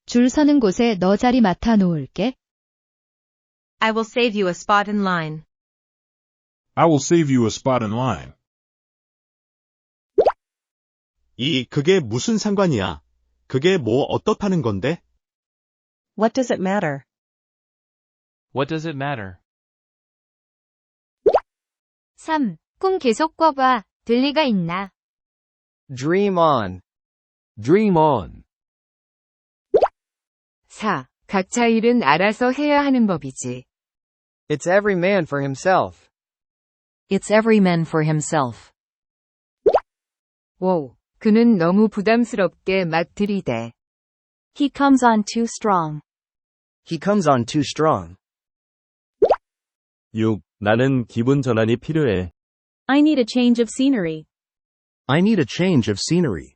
줄 서는 곳에 너 자리 맡아 놓을게. I will save you a spot in line. I will save you a spot in line. 그게 무슨 상관이야? 그게 뭐 어떻다는 건데? What does it matter? What does it matter? 3. 꿈 계속 꿔봐. 들 리가 있나? Dream on. Dream on. 4. 각자 일은 알아서 해야 하는 법이지. It's every man for himself. It's every man for himself. 5. 그는 너무 부담스럽게 막 들이대. He comes on too strong. He comes on too strong. 6. 나는 기분 전환이 필요해. I need a change of scenery. I need a change of scenery.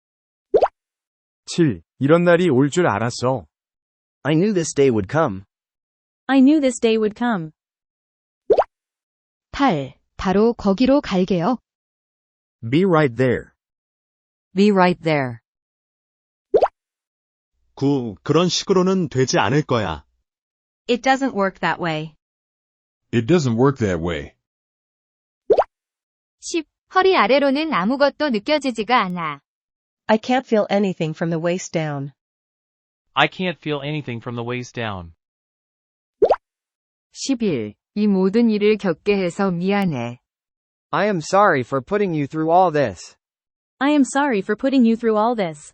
7. 이런 날이 올 줄 알았어. I knew this day would come. I knew this day would come. 8. 바로 거기로 갈게요. Be right there. Be right there. 9. 그런 식으로는 되지 않을 거야. It doesn't work that way. It doesn't work that way. 10. 허리 아래로는 아무것도 느껴지지가 않아. I can't feel anything from the waist down. I can't feel anything from the waist down. 11. 이 모든 일을 겪게 해서 미안해. I am sorry for putting you through all this. I am sorry for putting you through all this.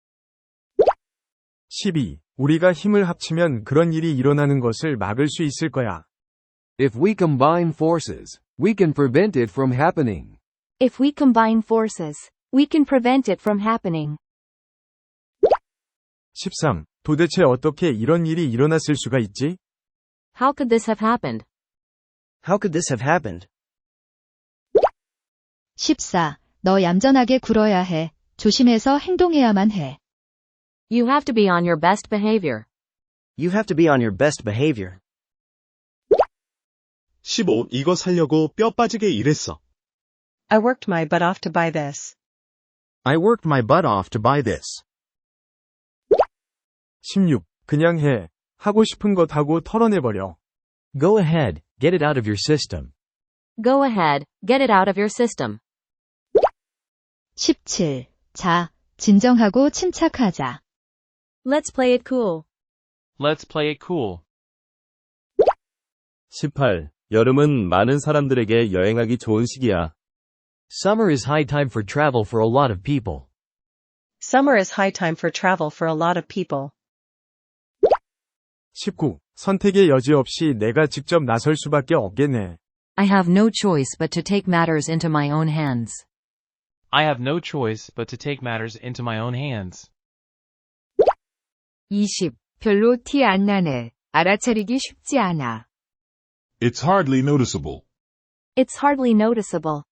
12. 우리가 힘을 합치면 그런 일이 일어나는 것을 막을 수 있을 거야. If we combine forces, we can prevent it from happening. If we combine forces, we can prevent it from happening. 13. 도대체 어떻게 이런 일이 일어났을 수가 있지? How could this have happened? How could this have happened? 14. 너 얌전하게 굴어야 해. 조심해서 행동해야만 해. You have to be on your best behavior. You have to be on your best behavior. 15. 이거 살려고 뼈 빠지게 일했어. I worked my butt off to buy this. I worked my butt off to buy this. 16. 그냥 해. 하고 싶은 것 하고 털어내버려. Go ahead, get it out of your system. Go ahead, get it out of your system. 17. 자, 진정하고 침착하자. Let's play it cool. Let's play it cool. 18. 여름은 많은 사람들에게 여행하기 좋은 시기야. Summer is high time for travel for a lot of people. Summer is high time for travel for a lot of people. 19. 선택의 여지 없이 내가 직접 나설 수밖에 없겠네. I have no choice but to take matters into my own hands. I have no choice but to take matters into my own hands. 20. 별로 티 안 나네. 알아차리기 쉽지 않아. It's hardly noticeable. It's hardly noticeable.